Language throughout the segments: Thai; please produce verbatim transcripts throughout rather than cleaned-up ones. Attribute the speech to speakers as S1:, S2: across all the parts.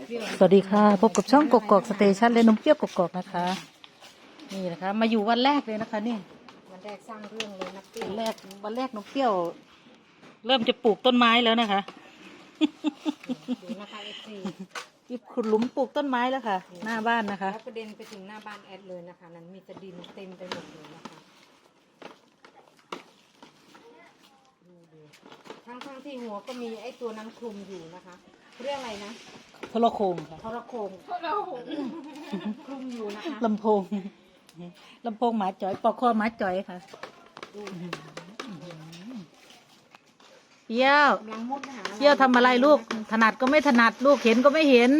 S1: สวัสดีค่ะพบกับช่องกกอกสเตชันและนมเปรี้ยวกกอกนะคะนี่นะคะมาอยู่วันแรกเลยนะคะนี่
S2: วันแรกสร้างเรื่องเลยนะเปรี้ยว
S1: วันแรกวันแรกนมเปรี้ยว เริ่มจะปลูกต้นไม้แล้วนะคะ
S2: ดูนะคะเอฟซี
S1: ที่ขุดหลุมปลูกต้นไม้แล้วค่ะ หน้าบ้านนะคะ
S2: แล้วประเด็นไปถึงหน้าบ้านแอดเลยนะคะนั้นมีแต่ดินเต็มไปหมดเลยนะคะดูดูทั้งทั้งที่หัวก็มีไอ้ตัวนั้นคลุมอยู่นะคะเรื่องอะไรนะ
S1: โทรโคงค่ะ
S2: ทรโขงทรโขงคลุมอยู่นะคะ
S1: ลำโพงลำโพงหมาจ่อยปอกคอหมาจ่อยค่ะเปรี้ยว
S2: กำลังมุดหา
S1: เปรี้ยวทำอะไรลูกถนัดก็ไม่ถนัดลูกเห็นก็ไม่เห็น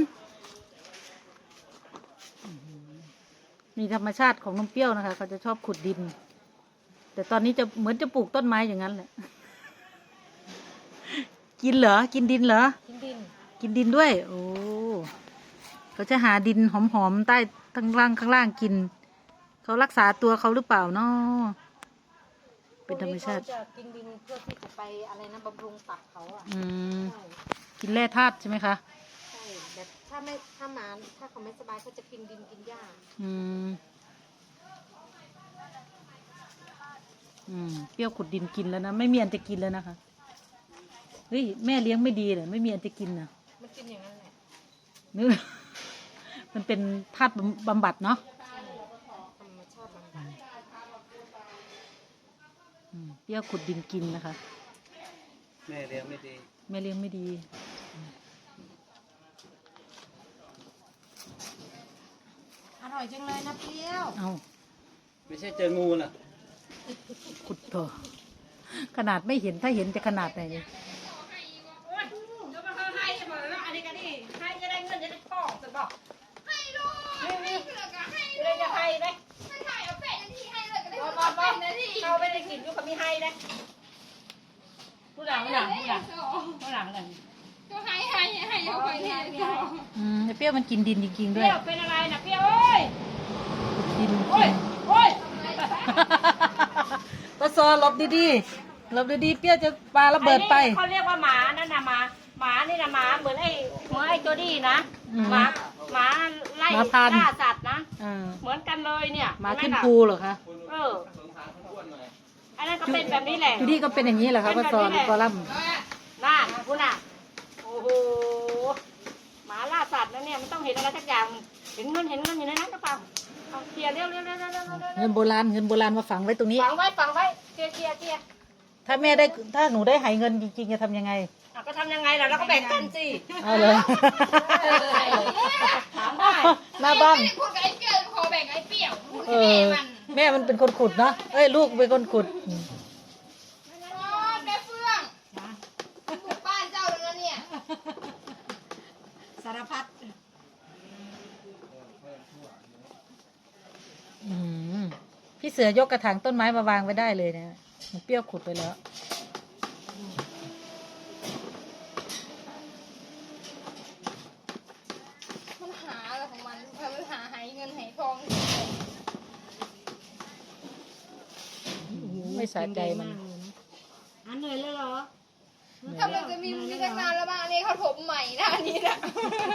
S1: มีธรรมชาติของนมเปรี้ยวนะคะเขาจะชอบขุดดิน แต่ตอนนี้จะเหมือนจะปลูกต้นไม้อย่างนั้นแหละกินเหรอกินดินเหรอ
S2: กินดิน
S1: กินดินด้วยโอ้เขาจะหาดินหอมๆใต้ข้างล่างข้างล่างกินเขารักษาตัวเขาหรือเปล่าเนาะเป็นธรรมชาติ
S2: จะกินดินเพื่อที่จะไปอะไรนะบำรุงตับเขาอ่ะ
S1: อืมกินแร่ธาตุใช่ไหมคะ
S2: ใช่แบบถ้าไม่ถ้าหมาถ้าเขาไม่สบายเขาจะกินดินกินหญ้า
S1: อืมอืมเปรี้ยวขุดดินกินแล้วนะไม่มีอันจะกินแล้วนะคะเฮ้ยแม่เลี้ยงไม่ดีเลยไม่มีอันจะกินนะ
S2: มันกินอย่างนั้นแหละ
S1: นึกมันเป็นธาตุบำบัดเนาะ
S2: ธรรมชาติบำบัด
S1: เปรี้ยวขุดดินกินนะคะ
S3: แม่เลี้ยงไม่ดี
S1: แม่เลี้ยงไม่ดี
S2: อร่อยจังเลยนะเปรี้ยว
S1: เอา
S3: ไม่ใช่เจองูน่ะ
S1: ขุดเถอะขนาดไม่เห็นถ้าเห็นจะขนาดไหน
S2: เขาไม่ได้กินก็เขาไม่ให้นะผู้หลังผู้หลังผู้หลังผู้หลังอะไร
S4: ก็ให้ให้ให้เอาไปให้
S1: อืมเปรี้ยวมันกินดินจริงๆด้วย
S2: เปรี้ยวเป็นอะไรนะเปรี้ยวเอ้ย
S1: ดิน
S2: โอ้ยโอ้ย
S1: ปะซอหลบดีๆหลบดีๆเปรี้ยวจะปาระเบิดไป
S2: เขาเรียกว่าหมานั่นนะหมาหมานี่นะหมาเหมือนไอ้เหมือนไอ้ตัวดีนะหมาหมาไล่ล่าสัตว์นะเหมือนกันเลยเนี่ย
S1: หมาขึ้นภูเหรอคะ
S2: เอออันนั้นก็เป็นแบบนี้แหละ
S1: จูดี้ก็เป็นอย่างนี้แหละครับปะซอกอลัม
S2: น่าคุณน่ะโอ้โหหมาล่าสัตว์นะเนี่ยมันต้องเห็นอะไรสักอย่างเห็นเงินเห็นเงินอยู่ในนั้นหรือเปล่าเคลียร์เร็วเร็วเร็วเร็ว
S1: เงินโบราณเงินโบราณมาฝังไว้ตรงนี้
S2: ฝังไว้ฝังไว้เคลียร์เคลียร์เคลียร์
S1: ถ้าแม่ได้ถ้าหนูได้หายเงินจริงๆจะทำยังไง
S2: ก็ทำยังไงล่ะเราก็แบ่งกันสิ
S1: เอาเลย
S2: ถามได้
S1: หน้าบ้าน
S4: พูดกับไอ้เปรี้ยวขอแบ่งไอ้เปรี้ยว
S1: เออแม่มันเป็นคนขุดเนาะเอ้ยลูกเป็นคนขุด
S4: แม่เฟื่องบุกบ้านเจ้าแล้วเนี่ย
S2: สารพัด
S1: พี่เสือยกกระถางต้นไม้มาวางไว้ได้เลยนะมันเปรี้ยวขุดไปแล้ว
S4: มันหาอะไรของมันมันหาหายเงินหายทอง
S1: ไม่สะใจมัน
S2: อันเหนื่อยเลยเหรอ
S4: ถ้ามันจะมีมีตั้งนานแล้วบ้างอันนี้เขาถมใหม่นะอันนี้นะ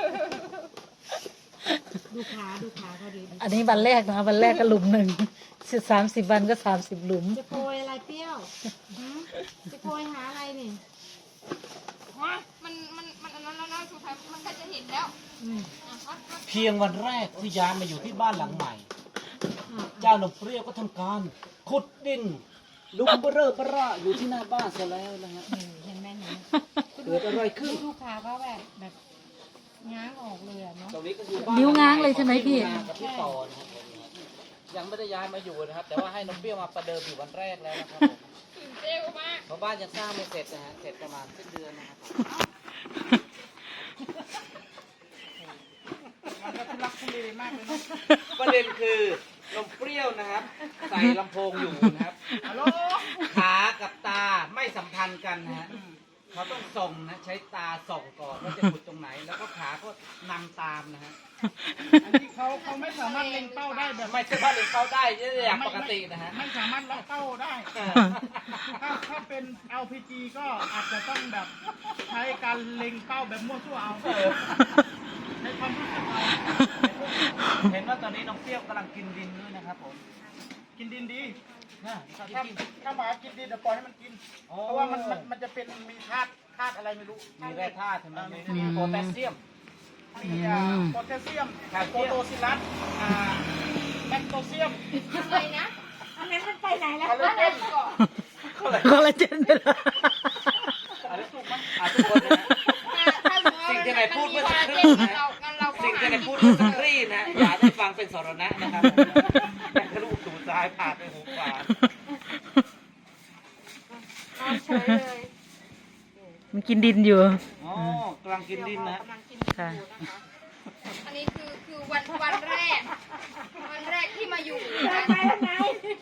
S2: ดูขาดูขาเขาดี
S1: อันนี้วันแรกนะวันแรกก็หลุมหนึ่งสามสิบวันก็สามสิบหลุม
S2: จะโปรยอะไรเปรี้ยวจะโปรยหาอะไรนี่
S4: มันมันมันอันนั้นแล้วนะสุดท้ายมันก็จะเห็นแล้ว
S3: เพียงวันแรกที่ย้ายมาอยู่ที่บ้านหลังใหม่เจ้าหนุ่มเปรี้ยวก็ทำการขุดดินลุกเบ้อเบ้ออยู่ที่หน้าบ้านซะแล้วนะฮะ
S2: เห็นไหมเห็น
S3: เกิดอะไรขึ้น
S2: ลูกค้าก็แบบแบบง้างออกเลยเนาะ
S1: นิ้วง้างเลยใช่ไหมพี่
S3: ยังไม่ได้ย้ายมาอยู่นะครับแต่ว่าให้น้องเปรี้ยวมาประเดิมอยู่วันแรกแล้วนะครับ
S4: เร็วมาก
S3: เพราะบ้านยังสร้างไม่เสร็จนะฮะเสร็จประมาณสิ้นเดือนนะครับมันก็ทุลักทุเลมากเลยนะประเด็นคือนมเปรี้ยวนะครับใส่ลำโพงอยู่นะครับขากับตาไม่สัมพันธ์กันนะฮะเขาต้องส่งนะใช้ตาส่องก่อนว่าจะขุดตรงไหนแล้วก็ขาก็นำตามนะฮะ
S5: อันนี้เขาเขาไม่สามารถเล็งเป้าได้แบบ
S3: ไม่สามารถเล็งเป้าได้อย่างปกตินะฮะ
S5: ไม่สามารถล็อกเป้าได้ถ้าถ้าเป็น แอล พี จี ก็อาจจะต้องแบบใช้การเล็งเป้าแบบมั่วซั่วเอา
S3: นะครับผม
S5: กินดินดี
S3: นะ
S5: ถ้าถ้าหมากินดินเดี๋ยวปล่อยให้มันกิน
S3: โอ้
S5: เพราะว่ามันมันมันจะเป็นมีธาตุธาตุอะไรไม่รู้
S3: มีแร่ธาตุใช่ไหม
S5: มี
S3: มีโพแทสเซียม
S5: มีอ่าโพแทสเซียม
S3: แคลเซี
S5: โพ
S3: ยม
S5: โตซิลัสอ่าแมกโนเซียม
S4: อะไรนะ
S2: อันนั้นมันไปไหนแล้ว
S5: คอลลาเจน
S4: ก่อน
S3: ก็เลย
S1: คอลลาเจนไปเลย
S3: อะไรถูกมั้ยอ่าทุกคนนะฮะ
S4: ถ้าสมมติว่า
S3: สิ่งที่ไหนพูดเมื่อสักค
S4: น
S3: รู่
S4: มี
S3: นะ
S4: เรางั้นเราก็
S3: สิ่งที่
S4: หา
S3: ไหนพูดเมื่อสักครู่นะอย่าได้ฟังเป็นสรณะนะครับแต่ทะลุหูซ้ายผ่านไปหูขวา
S2: นอนเฉยเลย
S1: มันกินดินอยู่
S3: อ๋อกำลังกินดินนะฮะ
S2: กำลังกิน
S1: ค่ะ
S2: อยู่นะคะ
S4: อันนี้คือคือวันวันแรก วันแรกที่มาอยู่นะ
S2: ไปแล้วไง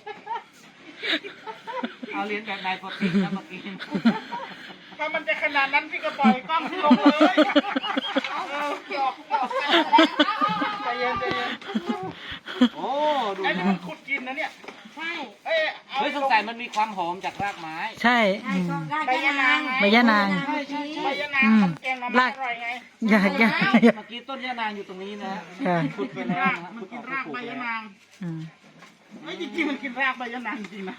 S3: เอาเรียนแบบนายโปรตีนนะเมื่อกี้
S5: ถ้ามันจะขนาดนั้นพี่ก็ปล่อยกล้องลงเลย
S4: หยอกหยอกกันแล้ว
S5: ใจเย็นใจเย็น
S3: โอ้ดู
S5: ไอ้นี่
S3: นะ
S5: มันขุดกินนะเนี่ย
S2: ใช่
S5: เอ้ยเอา
S3: เฮ้ยสงสัยมันมีความหอมจากรากไม้
S1: ใช่
S2: ใช่
S1: อืม
S2: ก็รากยานาง
S1: ใบยะนาง
S2: ใช่ใช่
S5: ใบ
S2: ใช่
S5: ยะนางมันแกงหน่อไม้อร่อยไง
S1: อย่าอย่าอย่า
S3: เมื่อกี้ต้นยะนางอยู่ตรงนี้นะฮะ
S1: ค่ะ
S3: ขุดไป
S5: กิน
S3: แล้ว
S5: ราก
S3: นะฮะ
S5: มัน
S3: ขุด
S5: กิน
S3: ออก
S5: ราก
S3: ปลู
S5: ใบ
S3: แล้
S5: ยะ
S3: วน
S5: าง
S1: อืม
S5: เฮ้ยจริงๆมันกินรากใบยะนางจริงๆนะ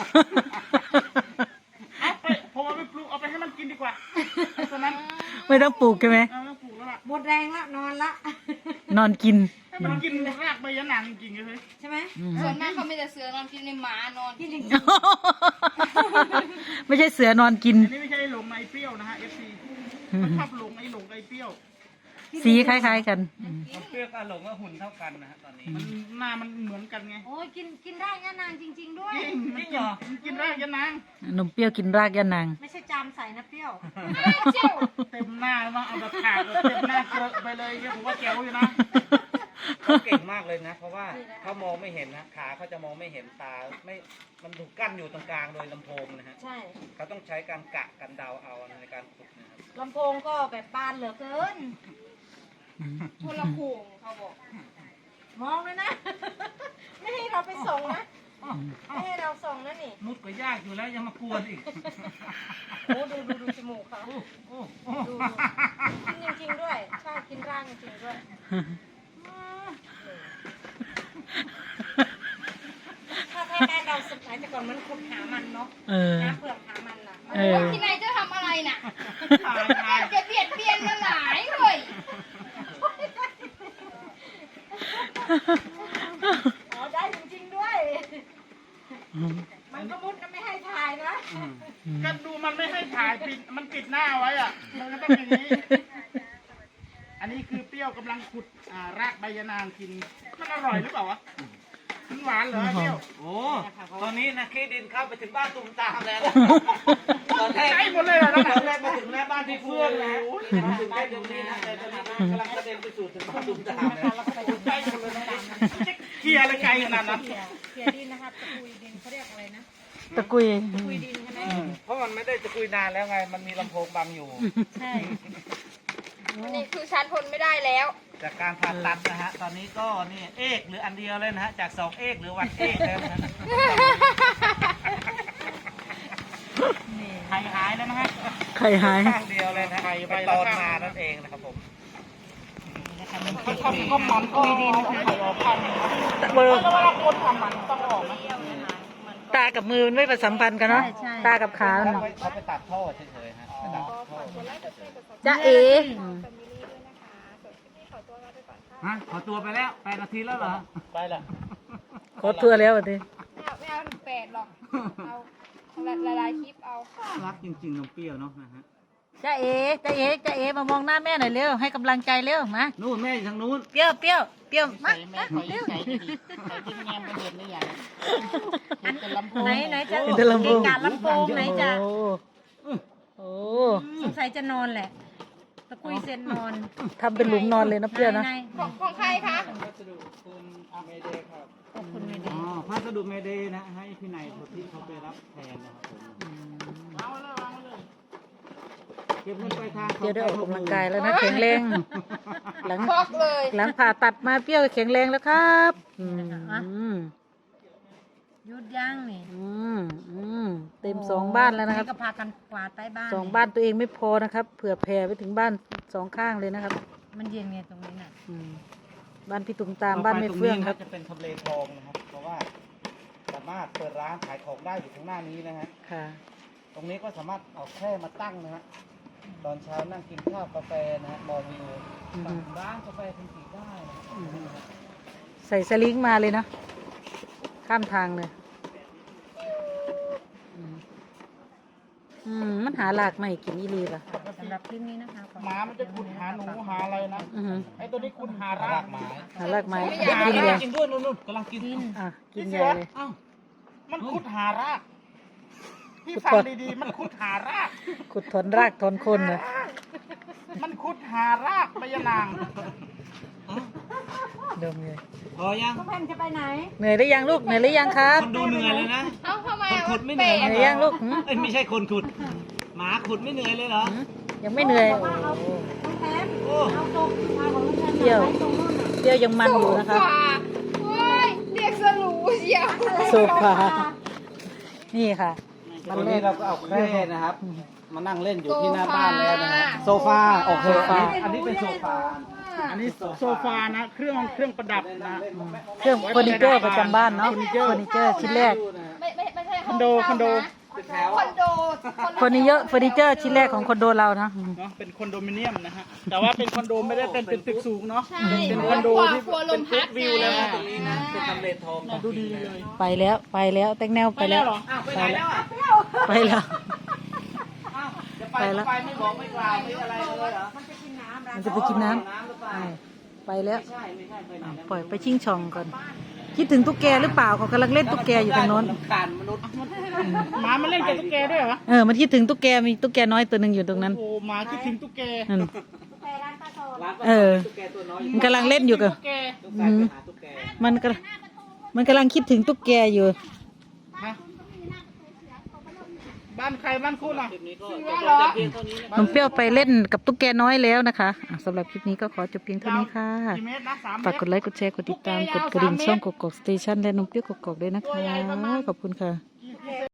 S5: เอาไปผมเอาไปปลูกเอาไปให้มันกินดีกว่าไอ้ตัวนั้น
S1: ไม่ต้องปลูกใช่ไหม
S5: เอาต้องปลูกแล้วล่ะ
S2: หมดแรงละนอนละ
S1: นอนกิน
S5: ให้มันกินรากใบยะนางจริงๆเลย
S2: ใช่ไหม
S1: อืม
S4: ส่วนมากเขาไม่แต่เสือนอนกินในหมานอน
S2: กินจริง
S1: ไม่ใช่เสือนอนกิน
S5: อันนี้ไม่ใช่หลงไอ้เปรี้ยวนะฮะ เอฟ ซี มันชอบหลงไอ้หลงไอ้เปรี้ยว
S1: สีคล้ายๆกันอืม
S3: มันเปรี้ยวกับหลงว่าหุ่นเท่ากันนะฮะตอนนี้
S5: มันหน้ามันเหมือนกันไง
S2: โอ้ยกินกินได้ยานางจริง ๆ ด้วย
S5: จริงมันกินมันกินรากยะนาง
S1: นมเปรี้ยวกินรากยานาง
S2: ไม่ใช่จามใส่นะเปรี้ยว
S4: เจ้า
S5: เต็มหน้าแล้วมั้งเอาแบบขาดแบบเต็มหน้าเกลอะไปเลยเนี่ยผมว่าแจ๋วอยู่นะ
S3: เขาเก่งมากเลยนะ เพราะว่าเขามองไม่เห็นนะขาเขาจะมองไม่เห็นตาไม่มันถูกกั้นอยู่ตรงกลางโดยลำโพงนะฮะ
S2: ใช่
S3: เขาต้องใช้การกะกันเดาเอาในการขุดนะครับ
S2: ลำโพงก็แบบบานเหลือเกิน
S4: คนละโขงเขาบอก
S2: มองเลยนะ ไม่ให้เราไปส่งนะ ไม่ให้เราส่งนะนี่
S3: มุดก็ยากอยู่แล้วยังมากวนอีก
S2: โอ้ดูดูดูจมูกเขา
S3: โอ้โอ้โอ้
S2: ดูดูกินจริงๆด้วย ใช่ กินร่างจริงๆด้วย ถ้าถ้าได้เราสมัยแต่ก่อนมันขุดหามันเนาะ
S1: เออ
S2: น้ำเปลือกหามันน่ะ
S1: เออ
S4: ที่ไหนจะทำอะไรน่ะ
S5: ตายตาย
S4: จะเบียดเบียนมาหลายเลย
S2: อ๋อได้จริงๆด้วย มันก็มุดนะไม่ให้ถ่ายนะ
S5: ก็ดูมันไม่ให้ถ่ายปิดมันปิดหน้าไว้อ่ะ มันก็ต้องอย่างนี้ อันนี้คือเปรี้ยวกำลังขุดอ่ารากใบยะนางกิน มันอร่อยหรือเปล่าวะ มันหวานเหรอไอ้เปรี้ยว
S3: โอ้ตอนนี้นะขี้ดินเข้าไปถึงบ้านตุ่มตามแล้วนะตอนแรก
S5: ใกล้หมดเลยเหรอนั่น
S3: ต
S5: น่ะ
S3: อนแรกมาถึงหน้าบ้านพี่เฟื่องนะมาถึงได้ตรงนี้นะแต่ตอนนี้กำลังกระเด็นไปสู่ถึงบ้านตุ่มตามแล้ว
S5: ใกล้หมดเลยนะเคลียร์อะไรไกลขนาดนั้น
S2: เขี่ยเขี่ยดินนะคะตะกุยดินเขาเรียกอะไรนะ
S1: ตะกุย
S2: ตะกุยดินใช่ไหม
S3: เพราะมันไม่ได้จะคุยนานแล้วไง มันมีลำโพงบังอยู่
S2: ใช่
S4: อันนี้คือฉันทนไม่ได้แล้ว
S3: จากการผ่าตัดนะฮะ ตอนนี้ก็นี่เอกหรืออันเดียวเลยนะฮะ จากสองเอกหรือวันเอกแล้วนะฮะ
S5: หายหายแล้วนะฮะ
S1: ไข่หาย
S3: ข้างเดียวเลยนะฮะไปตอนมานั่นเองนะครับผม
S5: เขาทำก็มันก็ดินไข่ออกพัน
S1: มือ
S5: แล้วเวลาคนทำมันต้องออกไหม
S1: ตากับมือมันไม่ประสัมพันธ์กันเนาะ ตากับขา
S3: เขา
S1: เนาะ
S3: ไปเขาไปตัดท่อเฉยๆฮะไปตัดท่อ
S1: จ้าเอ๋
S3: ฮะขอตัวไปแล้วแปดนาทีแล้วเหรอ
S5: ไปละ
S1: ขอทัวร์แล้ววันนี้
S4: ไม่เอาไม่เอาถึงแปดหรอก เอาละลายคลิปเอา
S3: รักจริงๆน้องเปรี้ยวเนาะนะฮะ
S1: จ้าเอ๋จ้าเอ๋จ้าเอ๋มามองหน้าแม่หน่อยเร็ว ให้กำลังใจเร็ว มา
S3: นู่นแม่อยู่ทางนู้น
S1: เปรี้ยวเปรี้ยวเปรี้ยว มามาเร็ว
S5: ใส่ที่แง้มมันเห็นหรือยังเห็นแต่ลำโพง
S2: ไหนไหนจะ
S1: เห็นแต่ลำโพง
S2: เกะกะลำโพงไหนจะ
S1: โอ้โอ้
S2: สงสัยจะนอนแหละ ตะกุยเซนนอน
S1: ทำเป็นหลุมนอนเลยนะเปรี้ยวนะ
S2: ไหน
S4: ของของใครคะ
S5: วัสดุคุณเมเดย์ครับ
S2: ๆขอบคุณไม่ดี
S3: อ๋อพัสดุเมเดย์นะ ให้พี่นายที่เขาไปรับแทนนะครับผม
S5: วางไว้เลยวางไว้เลย
S3: เก็บเงินปลายทาง
S1: เปรี้ยวได้ออกกำลังกายแล้วนะแข็งแรง หลัง
S4: พอกเลย
S1: หลังผ่าตัดมาเปรี้ยวแข็งแรงแล้วครับอืมอืม
S2: หยุดย่างนี่
S1: อืมอืมเต็มสองบ้านแล้วนะครับ
S2: ก็พากันกวาดใต้บ้าน
S1: สองบ้านตัวเองไม่พอนะครับ เผื่อแผ่ไปถึงบ้านสองข้างเลยนะครับ
S2: มันเย็นไงตรงนี้น่ะ
S1: อืมบ้านพี่ตุ่มตามบ้านไม่เฟื่องครับ
S3: จะเป็นทำเลทองนะครับ เพราะว่าสามารถเปิดร้านขายของได้อยู่ข้างหน้านี้นะฮะ
S1: ค่ะ
S3: ตรงนี้ก็สามารถเอาแคร่มาตั้งนะฮะ ตอนเช้านั่งกินข้าวกาแฟนะฮะมองวิว
S1: อือฮึ
S3: สั่งร้านกาแฟคุณสีได้นะ
S1: อือฮึ ใส่สลิงมาเลยเนาะข้ามทางเลยอืมอืมมันหาหลากไม่กินอีรีป่ะ
S2: สำหรับคลิปนี้นะคะขอ
S5: หมามันจะขุดหาหนูหาอะไรนะ
S1: อือฮึ
S5: ไอ้ตัวนี้ขุดหาราร
S3: าก กไม้
S1: หาหลากไม้
S5: ไม่
S1: ได้
S5: อยาก
S1: กินเลย
S3: กินด้วยนู่นๆกำลังกิน
S1: อ่ะกินใหญ่เลย
S3: อ้าว
S5: มันขุดหารากพี่
S1: ขุด
S5: ฟัง
S1: ก่อน
S5: ดีๆ มันขุดหาราก
S1: ขุดถอนรากถอนคนเลย
S5: มันขุดหารากใบยะนาง
S1: ดมเลย
S3: พอยัง
S2: แพนจะไปไหน
S1: เหนื่อยหรือยังลูกเหนื่อยหรือยังครับ
S3: คนดูเหนื่อยเลยนะ
S4: เอ้าทำไม
S3: คน
S4: อะ
S3: ขุดไม่เหนื่อย
S1: เหนื่อยยังลูกหืม
S3: เอ้ยไม่ใช่คนขุด หมาขุดไม่เหนื่อยเลยเหรอ
S1: หืมยังไม่เหนื่อยโอ้โห
S2: น้องแพม
S3: โอ้
S2: เอาตกมาของน้องแพม
S1: เปรี้ยว
S2: ไว้ตรงนู้นน่ะ
S1: เปรี้ยวยังมันอยู่นะคะ
S4: โซฟาโอ้ยเรียกสรูเชียว
S1: โซฟานี่ค่ะ
S3: ตอนนี้เราก็เอาแคร่นะครับ มานั่งเล่นอยู่ที่หน้าบ้านแล้วนะฮะโซฟาโอเค
S1: โซฟา
S3: อันนี้เป็นโซฟา
S5: อันนี้โซฟานะ เครื่องเครื่องประดับนะ
S1: เครื่องเฟอร์นิเจอร์ประจำบ้านเนาะเฟอร์นิเจอร์ชิ้นแรก
S4: ไม่ไม่ไม่ใช่
S5: คอนโดคอนโด
S3: เป็นแถว
S4: คอนโด
S1: เฟอร์นิเจอร์เฟอร์นิเจอร์ชิ้นแรกของคอนโดเรานะอืม
S5: เนาะเป็นคอนโดมิเนียมนะฮะ แต่ว่าเป็นคอนโดไม่ได้เป็นเป็นตึกสูงเนาะ
S4: ใช่
S5: เป็นคอนโดที่
S4: ครัวล
S5: เป็
S4: ม
S5: น
S4: พั
S5: ฟุ
S4: ด
S5: ตวิวแล้ว
S4: ไง
S5: นะ
S3: ตรงนี้นะเป็นทำเลทอง
S5: น่าดูดีเลย
S1: ไปแล้วไปแล้วแตงแนวไปแล้ว
S5: เหรอ
S3: อ้าวไปไหนแล้วอ่ะ
S1: ไปแล้ว
S3: อ้าวจะไป
S1: ไป
S3: ก็
S1: แล้ว
S3: ไปไม่บอกไม่กล่าวไม่อะไรเลยเหรอ
S2: มันจะกินน้ำ
S1: มันจะไปกินน้ำ
S3: น้ำหรือเปล่า
S1: อ่าไปแล้ว
S3: ไม่ใช่ไม่ใช่ไปไหน
S1: อ่ะ
S3: แล้ว
S1: ปล่อยไปชิงช่องก่อนคิดถึงตุ๊กแกหรือเปล่าเขากำลังเล่นตุ๊กแกอยู่ตรงโน้น
S3: รำคาญมนุษย์
S5: หมามันเล่นกับตุ๊กแกด้วยเหรอ
S1: เออมันคิดถึงตุ๊กแกมีตุ๊กแกน้อยตัวหนึ่งอยู่ตรงนั้น
S5: โอ้โหหมาคิดถึงตุ๊กแก
S1: นั่น
S2: แต่ร้านปลาทอง
S3: ร้านปลา
S1: เออ
S3: ตุ๊กแกตัวน้อย
S1: มันกำลังเล่นอยู่กับ
S5: ตุ๊กแก
S3: ตุ๊กแกไปหาตุ๊กแก
S1: มันกำลังมันกำลังคิดถึงตุ๊กแกอยู่
S5: ฮะบ้านใครบ้านคุณอ่ะ
S3: คลิปนี้ก็จบลงแต่เพียงเท่านี้นะ
S1: น้องเปรี้ยวไปเล่นกับตุ๊กแกน้อยแล้วนะคะอ่ะสำหรับคลิปนี้ก็ขอจบเพียงเท่านี้ค่ะ
S5: กี่เมตรนะสามเม
S1: ฝาก
S5: ต
S1: ก
S5: ร
S1: ดไลค์กดแชร์กดติดตามกดกระดิ่งช่องกกอกสเตชันและน้องเปรี้ยวกกอกด้วยนะคะขอบคุณค่ะ